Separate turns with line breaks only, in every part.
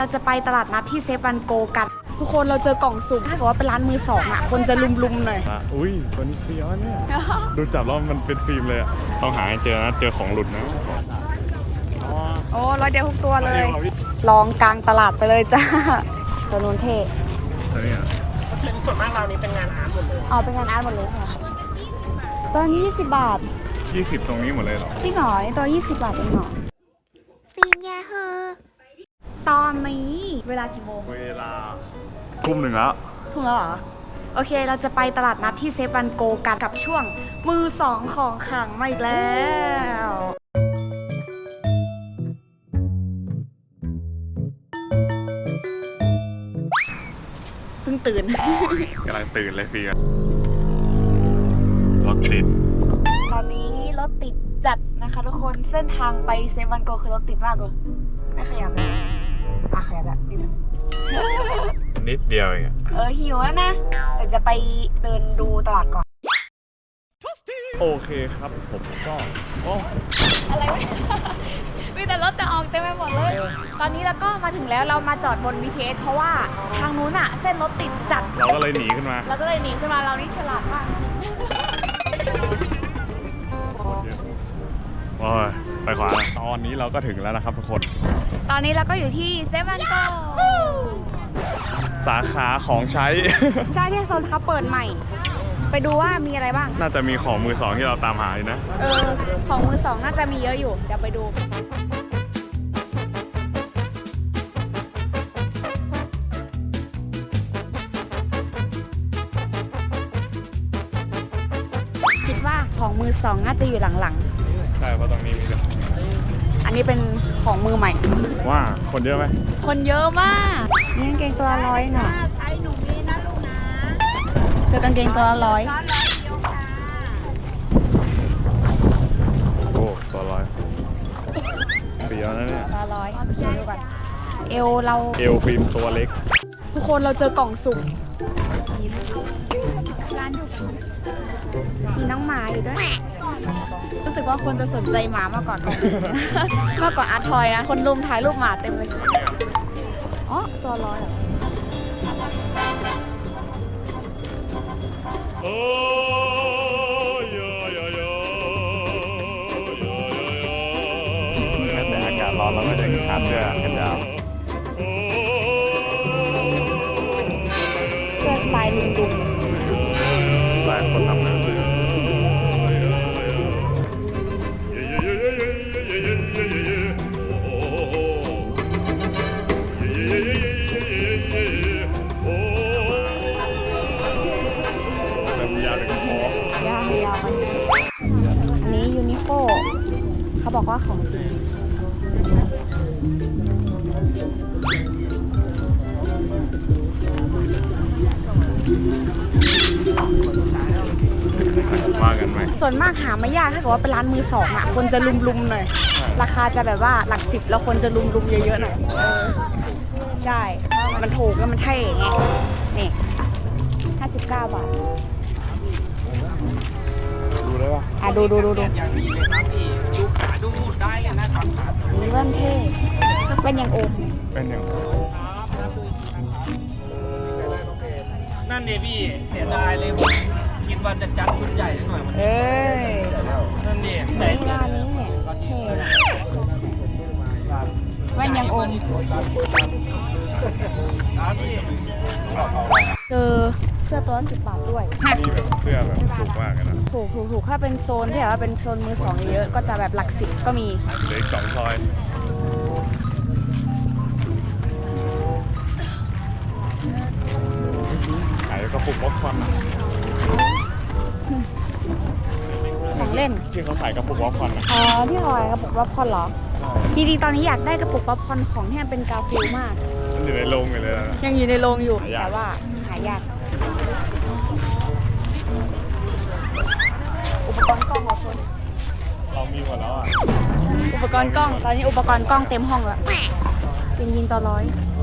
จะไปตลาดนัดที่เซฟวันโกกันทุกคนเราเจอกล่องสุ่มถ้าเกิดว่าเป็นร้านมือสองอ่ะคนจะลุมๆหน่อย
อุ้ยตัวนี้เฟี้ยวเนี่ยดูจับแล้วมันเป็นฟิล์มเลยอะต้องหาให้เจอนะเจอของหลุดนะ
โอ้ร้อยเดียวทุกตัวเลยลองกลางตลาดไปเลยจ้าตัวนู้นเท่
ตัวนี้อ่ะ
ส่วนมากเรานี่เป็นงานอาร์ตหมดเลย
เป็นงานอาร์ตหมดเลยค่ะตัวนี้20 บาท
20ตรงนี้หมดเลยเหรอ
จริงเหรอตัว20 บาทเองเหรอฟิล์มยาเฮอตอนนี้เวลากี่โมง
เวลาทุ่มหนึ่งแล้ว
ถูกแล้วเหรอโอเคเราจะไปตลาดนัดที่เซฟวันโกกันกับช่วงมือสองของขลังมาอีกแล้วเพิ่งตื่น
กำลังตื่นเลยพี่รถติด
ตอนนี้รถติดจัดนะคะทุกคนเส้นทางไปเซฟวันโกคือรถติดมากเลยไม่ขยับเลยขยับแบบนิดนึง
นิดเดียวเอง
หิวแล้วนะแต่จะไปเดินดูตลาดก่อน
โอเคครับผมก็
อะไรวะมีแต่รถจะออกเต็มไปหมดเลยตอนนี้เราก็มาถึงแล้วเรามาจอดบน BTS เพราะว่าทางนู้นอะเส้นรถติดจัด
เราก็เลยหนีขึ้นมา
เรานี่ฉลาดมาก
โอ้ยไปขวาตอนนี้เราก็ถึงแล้วนะครับทุกคน
ตอนนี้เราก็อยู่ที่เซฟวันโก
สาขาของใช้
ใช่ที่โซนเขาเปิดใหม่ไปดูว่ามีอะไรบ้าง
น่าจะมีของมือสองที่เราตามหาอยู่นะ
ของมือสองน่าจะมีเยอะอยู่เดี๋ยวไปดูคิดว่าของมือสองน่าจะอยู่หลัง
ๆใช่เพราะตรงนี้มี
อันนี้เป็นของมือใหม่
ว่าคนเยอะไหม
คนเยอะมากนี่กางเกงตัวละ100น่ะ
ไซส์หนูมีนะลูกนะ
เจอกางเกงตัวละ100
โอ้ตัว100เปรี้ยวนะเนี่ย
ตัวละ100ดูก่อนเอว
ฟิล์มตัวเล็ก
ทุกคนเราเจอกล่องสุ่มร้านอยู่มีน้องหมาอยู่ด้วยรู้สึกว่าคนจะสนใจหมามากกว่าอาร์ทอยนะคนรุมถ่ายรูปหมาเต็มเลยตัว100เหรอ
แต่อากาศร้อนเราก็จะขาดเสื้อกันยาว
เสื้อสไตล์ดุง
ๆหลายคนทำงาน
อันนี้ยูนิโคเขาบอกว่าของจริง
ว่ากันไหม
ส่วนมากหาไม่ยากถ้าเกิดว่าเป็นร้านมือสองอ่ะคนจะลุมๆหน่อยราคาจะแบบว่าหลัก10แล้วคนจะลุมๆเยอะๆหน่อยใช่มันถูกแล้วมันเท่ไงนี่59 บาท
ดูได้ป่ะ
ดู
อย่างนี้เลยครับพี่ดูขาดูได้เลยนะครับ
นี่มันเท่เป็นอย่างโอม
เป็นอย่าง
นั่นเดพี่เสียดายเลยผมคิดว่าจะจัดชุดใหญ่หน่อยมันนั่นเด
แต่งานนี้เนี่ยเท่เป็นอย่างโอมเจอเสื้อตัวละ10 บาทด้วย
นี่แบบเสื้อแบบถูกมากเลยนะ
ถูกถ้าเป็นโซนที่แบบว่าเป็นโซนมือสองเยอะก็จะแบบหลัก10ก็มี
เหลือ2 ซอยขายกระปุกป๊อปคอร์น
ของเล่น
ที่เขาขายกระปุกป๊อปคอร์น
ที่ขายกระปุกป๊อปคอร์นเหรอจริงๆตอนนี้อยากได้กระปุกป๊อปคอร์นของที่มันเป็นกาฟิลมาก
มันอยู่ในโรงอยู่เลยนะ
ยังอยู่ในโรงอยู่แต่ว่าหายากอุปกรณ์กล้องของคน
เรามีหมดแล้ว
อุปกรณ์กล้องตอนนี้อุปกรณ์กล้องเต็มห้องแล้วยินตัว100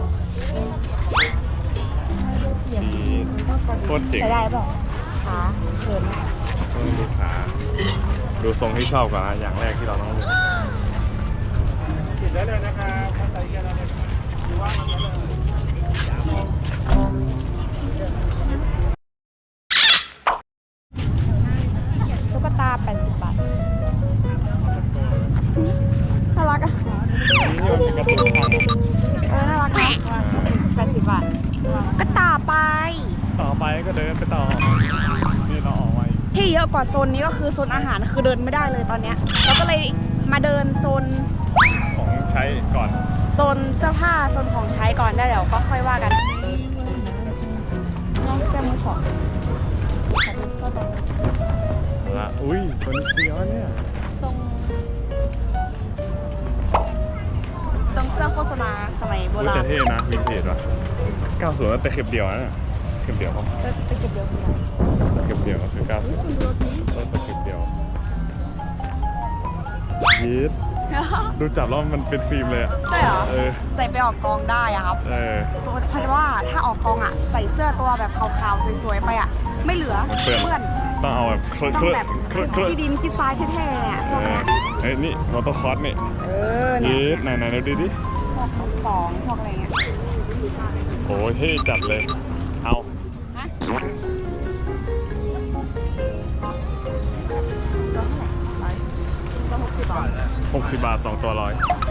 โคตรเจ๋ง
ได้เปล่าขาเขิน
ดูขาดูทรงที่ชอบก่อนนะอย่างแรกที่เราต้องดู
ติดได้เลยนะครับใส่เกียร์แล้ว
ก็เดินไปต่อนี่เราออกมา
ที่เยอะกว่าโซนนี้ก็คือโซนอาหารคือเดินไม่ได้เลยตอนเนี้ยเราก็เลยมาเดินโซน
ของใช้ก่อน
โซนเสื้อผ้าโซนของใช้ก่อนได้เดี๋ยวก็ค่อยว่ากันน้องเสื้อมือสองขอดูเสื้อตัวนี้
ละอุ้ยตัวนี้เฟี้ยวเนี่ย
ทรงเสื้อโฆษณาสมัยโบ
อุ้ย
รา
แต่
ณ
เท่นะวินเทจว่ะ90แต่เข็บเดียวนะเนี่ยเข็บเดียวเขา
เราจะไปเก็บเดียวกัน
เข็บเดียวก็คือ90แต่เข็บเดียวยีดดูจับแล้วมันเป็นฟิล์มเลยอ่ะ
ใช่เหรอ
เออ
ใส่ไปออกกองได้อะครับ
เออ
เพราะว่าถ้าออกกองอะใส่เสื้อตัวแบบขาวๆสวยๆไปอะไม่เหลือ
เปื้อน
เปื้อน
ต้องเอาแบบ
ต้องแบบที่ดินที่ทรายแท้ๆเนี่ยพวกเนี้ย
เฮ้ยนี่มอเตอร์คอร์สนี่
เออเนี่
ยี
ย
ดไหนดูดิ
พวกของพวกอะไรเงี้ย
โอ้เท่จัดเลย เอา
ฮะตัวเท่าไหร่ตัว60 บาท
60 บาท2ตัว100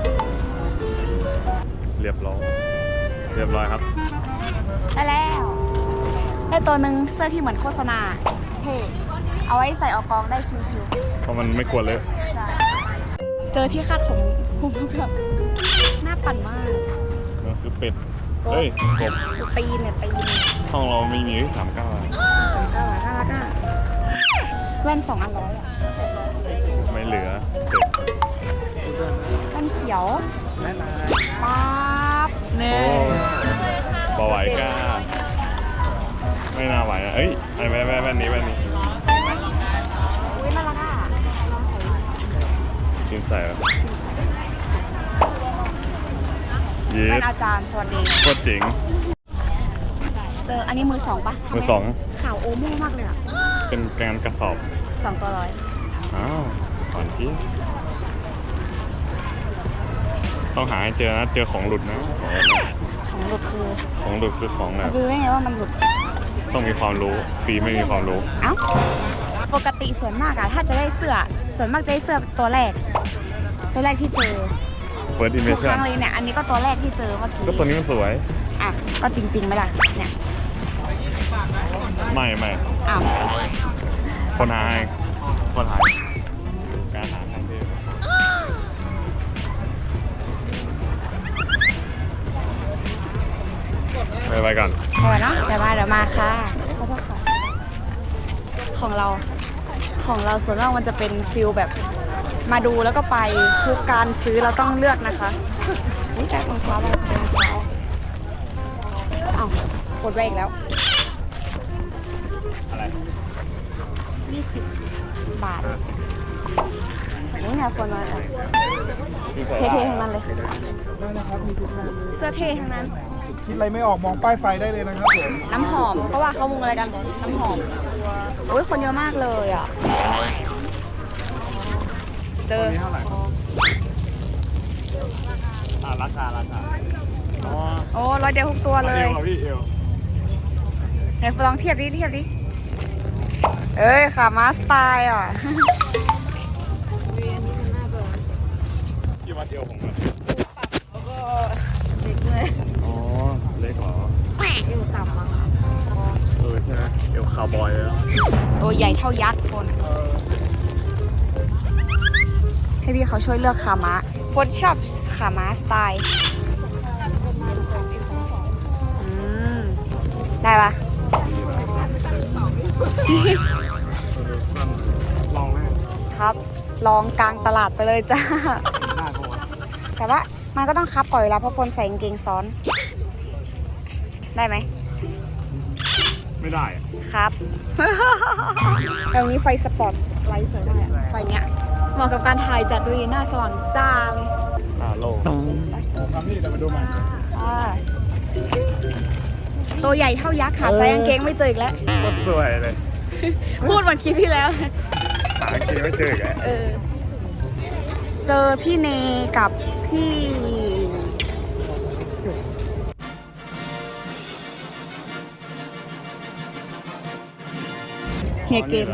เรียบร้อยครับ
ได้แล้วได้ตัวหนึ่งเสื้อที่เหมือนโฆษณาเท่เอาไว้ใส่ออกกองได้ชิว
เพราะมันไม่กลัวเลย
ๆใช่เจอที่คาดผมแบบน่าปั่นมาก
นั่นคือเป็ด เฮ้ยกบ
ตีนเนี่ยตีน
ห้องเรามีที่39
น่ารักอ่ะแว่น2 อัน100อ่ะ
ไม่เหลือเป็ด
แว่นเขียวป๊าบเน่
โอ้บอไหวกล้า ไม่น่าไหวนะเอ้ยไอ้แว่นนี้
อุ้ยน่ารักอ่ะลองใส่ดู
จริงใส่แบบยี
แว่
ด
นอาจารย์สวัสดี
โคตรเจ๋ง
เจออันนี้มือ 2ปะ
มือสอง
ขาวโอโม่มากเลยอ่ะ
เป็นการกระสอบ
2 ตัว100
อ้าวก่อนจีต้องหาให้เจอนะ เจอของหลุดนะ
ของหลุดคือ
ของหลุดคือของแบบ
รู้ได้ไงว่ามันหลุด
ต้องมีความรู้ฟรีไม่มีความรู้
เอ้าปกติส่วนมากอะถ้าจะได้เสื้อส่วนมากจะได้เสื้อตัวแรกที่เจอ
First
ทุกค
impression
รั้งเลยเนี่ยอันนี้ก็ตัวแรกที่เจอเมื่อกี้
ก็ตัวนี้มันสวย
อ่ะก็จริงๆไหมล่ะเนี่ย
ไม่
อ้าว
คนหาให้คนหาการหาทางเทพไปก่อน
เอาไว้เนาะเดี๋ยวมาค่ะขอโทษค่ะของเราส่วนมากมันจะเป็นฟิลแบบมาดูแล้วก็ไปทุกการซื้อเราต้องเลือกนะคะนี่แค่รองเท้าเราเป็นรองเท้าอ้าวกดไว้อีกแล้ว
อะไร
20 บาทนี่เนี่ยคนมาอ่ะ
มีใส่
เท่ๆทั้งนั้นเลย
ได้นะครับ มีทุกงานเลย
เสื้อเท่ทั้งนั้น
คิดอะไรไม่ออกมองป้ายไฟได้เลยนะครับผม
น้ำหอมก็ว่าเขามุงอะไรกัน น้ำหอมโอ้ยคนเยอะมากเลยอ่ะ เจอ
เท่าไหร่ราคาอ๋อ
โอ้ร้อยเดียวทุกตัวเลย
เอวพี่เอว
ไหนลองเทียบดิเอ้ยขามาสไตล์อ่ะ
กี่วัดเอวผมอะ
เด็กเลย
อ๋อ เล็กเหรอ
อยู่ต่ำมั้งคะ
ใช่ไหมเอวคาวบอยเลยอะ
ตัวใหญ่เท่ายักษ์คนให้พี่เขาช่วยเลือกขาม้าโฟนชอบขาม้าสไตล์ได้ปะ
ลองไหม
ครับ ลองกลางตลาดไปเลยจ้า
ได้ปะวะ
แต่ว่ามันก็ต้องคับก่อนเวลาเพราะฝนใส่กางเกงซ้อน ได้ไหม
ไม่ได้อะ
ครับ ตรงนี้ไฟสปอร์ตไลท์สวยมากอะไฟเนี้ยเหมาะกับการถ่ายจัดดูหน้าสว่างจ้าเลย
โลกทำนี่แต่มาดูมัน
อ่าตัวใหญ่เท่ายักษ์หาไซส์กางเกงไม่เจออีกแล้ว
โคตรสวยเลย
พูดเหมือนคลิปที่แล้ว
หาเกงไม่เจออีกแล้ว
เจอพี่เนกับพี่ เฮียเกน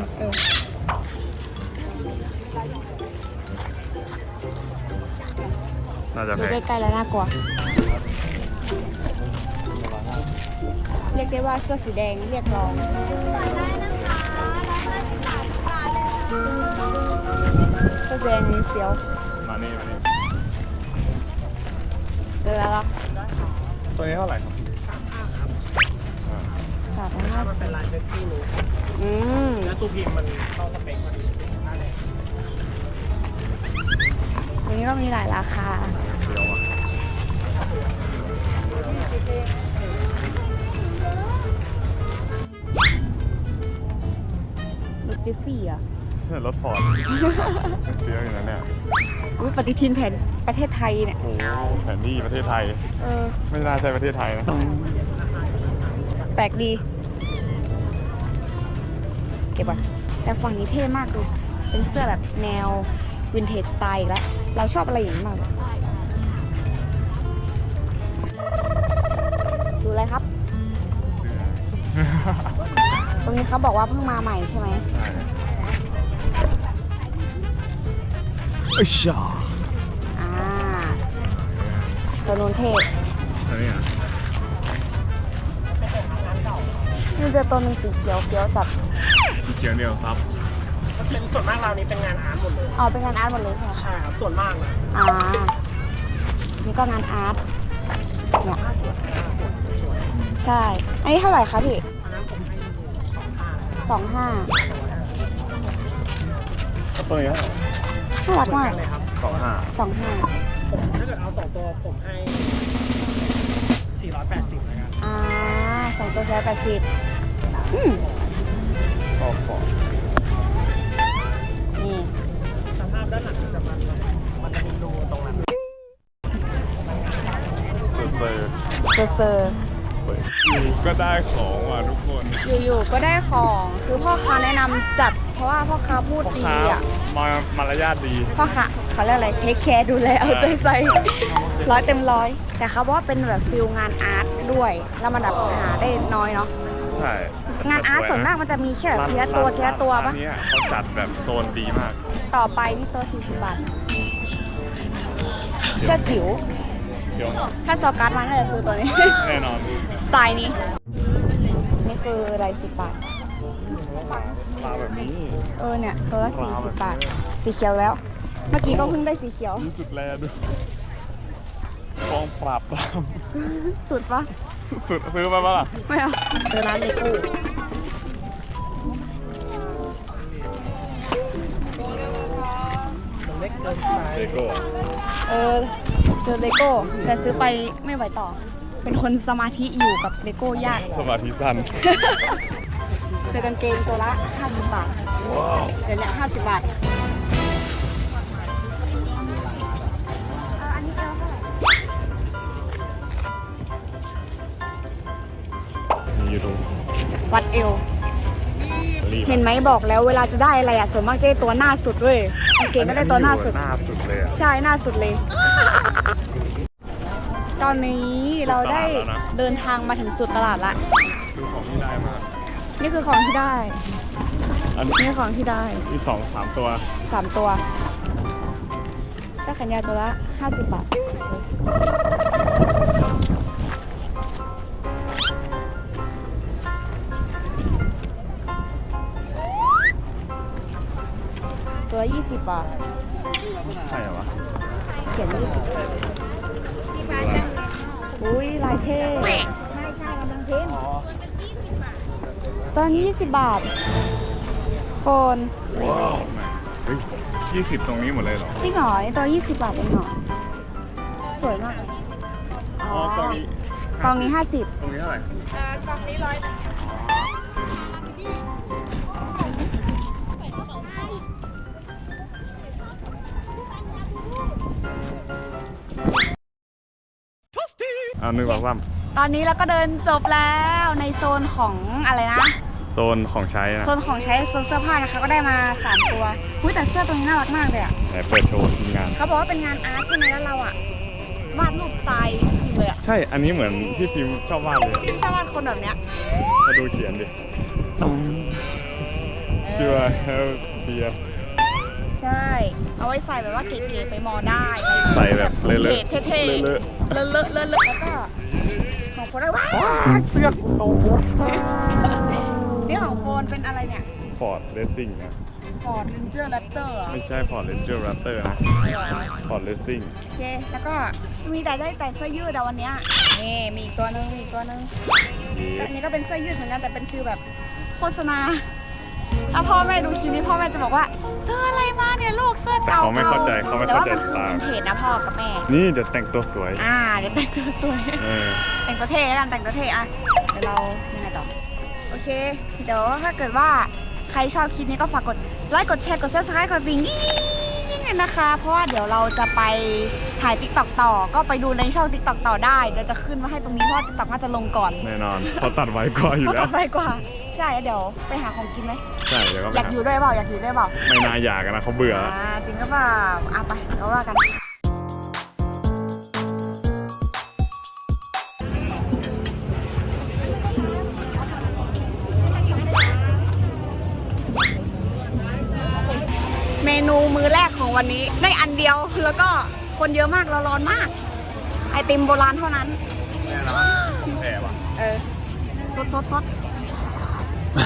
น่าจะแพ
ดู
ง
ใกล้ๆแล้วน่ากลัว เยกได้ว่าเสื้อสีแดงเรียกร้องเสื้อสีแดงนี่เฟี้ยว
มานี่
เจอแล้วเหรอ
ตัวนี้เท่าไหร่ครับ
350
เป็นลายเซ็กซี่นูด
อืม
แล้วตู้พิมพ์มันเข้าสเปคพอดีนั่นแหละ
วันนี้ก็มีหลายราคา
เดี๋ยวอ่ะ
รถจิฟฟี่อ่ะ
ใช่รถฟอร์ดเฟี้ยวอยู่นะเนี่ย
อุ้ยปฏิทินแผ่นประเทศไทยเนี่ย
โอ้แผนที่ประเทศไทย
เออ
ไม่น่าใช่ประเทศไทยนะ
แปลกดี เก็บก่อนแต่ฝั่งนี้เท่มากดู เป็นเสื้อแบบแนววินเทจสไตล์อีกแล้ว เราชอบอะไรอย่างนี้มากเลยดูอะไรครับ ตรงนี้เขาบอกว่าเพิ่งมาใหม่ใช่ไหม
ใช่อิชา
อ่า ตัวนู้นเท่
อันนี้อ่ะ
นี่เจอตัวหนึงสีเขียวเฟี้ยวจัด
มีเกียวเดียวครับ
มันเป็นส่วนมากเรานี้เป็นงานอาร์ตหมดเลย
อ๋อเป็นงานอาร์ตหมดเลยใช่ไหม
ใช่ครับ ส่วนมากนะ
อ่า นี่ก็งานอาร์ต เนี่ย ใช่ อันนี้เท่าไหร่คะพี่
อันนั้นผมให้25
25
ก็ตัวนี้เท่าไหร่
น่ารักมาก
เลยครับ
25
25
ผมถ้าเกิดเอา2ตัวผมให้480แล้วกัน
อ่า2ตัว180อืม
ก็ฟอร์ด
นี่
สภาพด้านหลังมันจะมีรูตรงนั้น
เซอร์
เซอร์
อยู่ก็ได้ของว่ะทุกคน
อยู่ๆก็ได้ของ คือพ่อค้าแนะนำจัด เพราะว่าพ่อค้าพูด
พ่อ
ดี
ค้า
อ่ะ
มารยาทดี
พ่อค้าเขาเรียกอะไรเทคแคร์ดูแลเอาใจใส่100 เต็ม 100 แต่เขาบอกว่าเป็นแบบฟิลงานอาร์ตด้วย แล้วมันแบบหาได้น้อยเนาะ
ใช่
งานอาร์ตส่วนมากมันจะมีแค่แบบทีละตัวทีละตัวปะ
ร้านเนี้ยเขาจัดแบบโซนดีมาก
ต่อไปนี่ตัว40 บาทเสื้อจิ๋ว
เดี๋ยว
ถ้าซอการ์ดมาน่าจะซื้อตัวนี้
แน่นอน
สไตล์นี้ นี่คืออะไร10 บาท
ปลาแบบนี้
เออเนี่ย ตัวละ40 บาท สีเขียวแล้ว เมื่อกี้ก็เพิ่งได้สีเขียว
รู้สึกแลดูกองปราบปราม
สุดปะ
สุดซื้อไปปะล่ะ
ไม่เอาเจอร้านเลโก้
มันเล็กเกินไป
เลโก้
เออเจอเลโก้ แต่ซื้อไปไม่ไหวต่อ เป็นคนสมาธิอยู่กับเลโก้ยาก
สมาธิสั้น
เจอกางเกงตัวละ50 บาท
ว้าว
เดี๋ยวเนี่ย50 บาท อันนี้เอวเท่าไหร่
มีอยู่ตรง
วัดเอว
รีบ
เห็นไหมบอกแล้วเวลาจะได้อะไรอ่ะส่วนมากจะได้ตัวหน้าสุดเว้ยกางเกงก็ได้ตัวหน้าสุด
หน้าสุดเลยอะ
ใช่หน้าสุดเลย ตอนนี้เราได้เดินทางมาถึงสุดตลาดละ
คือของที่ได้มาก
นี่คือของที่ได้
อัน
นี่คือของที่ได้
อีก2-3 ตัว
3 ตัวเสื้อแขนยาวตัวละ50 บาท ตัวละ20 บาท
ใช่เหรอวะ
เขียน20อุ้ยลายเท่ตอนนี้20 บาท โฟน
ว้าวเฮ้ย20 ตรงนี้หมดเลยเหรอ
จริงเหรอนี่ตัว20 บาทเองเหรอ สวยมาก
อ๋อกล่องนี้
กล่องนี้ 50
ตรงนี้เท่าไหร่
กล่องนี้100
เอา1 2 3
ตอนนี้เราก็เดินจบแล้วในโซนของอะไรนะ
โซนของใช้นะ
โซนของใช้โซนเสื้อผ้านะคะก็ได้มา 3 ตัวอุ๊ยแต่เสื้อตัวนี้น่ารักมากเลยอ่ะ
ไหนเปิดโชว์ทีมงาน
เขาบอกว่าเป็นงานอาร์ตใช่ไหมแล้วเราอ่ะวาดรูปสไตล์จริงเลยอ่ะ
ใช่ อันนี้เหมือนที่ฟิล์มชอบวาดเลย
พี่ชอบวาดคนแบบเนี้ย
มาดูเขียนดิชื่อว่า Help Dear
ใช่ เอาไว้ใส่แบบว่าเก๋ๆไปมอได้
ใส่แบบเลอะๆ
เท่ๆ
เลอะ
เลอะๆแล้วก็ของโฟนได้ว้า
เสื้อโต
นี่ของโฟนเป็นอะไรเนี่ย
ฟอร์ดเรซิ่งนะ
Ford Ranger Raptor เหรอ
ไม่ใช่ฟอร์ดเรนเจอร์แรปเตอร์นะฟอร์ดเรซิ่ง
โอเค แล้วก็มีแต่ได้แต่เสื้อยืดอะวันเนี้ยนี่มีอีกตัวนึงมีอีกตัวนึงก็อันนี้ก็เป็นเสื้อยืดเหมือนกันแต่เป็นคือแบบโฆษณา ถ้าพ่อแม่ดูคลิปนี้พ่อแม่จะบอกว่าเสื้ออะไรมาเนี่ยลูกเสื้อ
แต่
เก่า
เขาไม่เข้าใจเขาไม่เข้าใจ
แต่
ส
ว่า
ไต
มันคือ
ล์
เป็นเพจนะพ่อกับแม่
นี่เดี๋ยวแต่งตัวสวย
เดี๋ยวแต่งตัวสวย
เออ
แต่งตัวเท่แล้วกันแต่งตัวเท่อะเดี๋ยวเรายังไงต่อโอเค เดี๋ยวถ้าเกิดว่าใครชอบคลิปนี้ก็ฝากกดไลค์กดแชร์กด subscribe กดดิ่งๆนะคะ เพราะว่าเดี๋ยวเราจะไปถ่าย TikTok ต่อก็ไปดูในช่อง TikTok ต่อได้เดี๋ยวจะขึ้นมาให้ตรงนี้เพราะว่า TikTok น่าจะลงก่อน
แน่นอนเขาตัดไว้กว่าอยู่แล้ว
ไปกว่าใช่แล้วเดี๋ยวไปหาของกินไหม
ใช่เดี๋ยวก็ไป
อยากอยู่ด้วยเปล่าอยากอยู่ด้วยเปล่า
ไม่น่าอยากกันนะเขาเบื่อ
จริงก็เปล่าไปเราว่ากันเมนูมื้อแรกของวันนี้ได้อันเดียวแล้วก็คนเยอะมากเราร้อนมาก ไอติมโบราณเท่านั้น
แน่นอนแพ้ว่ะ
สด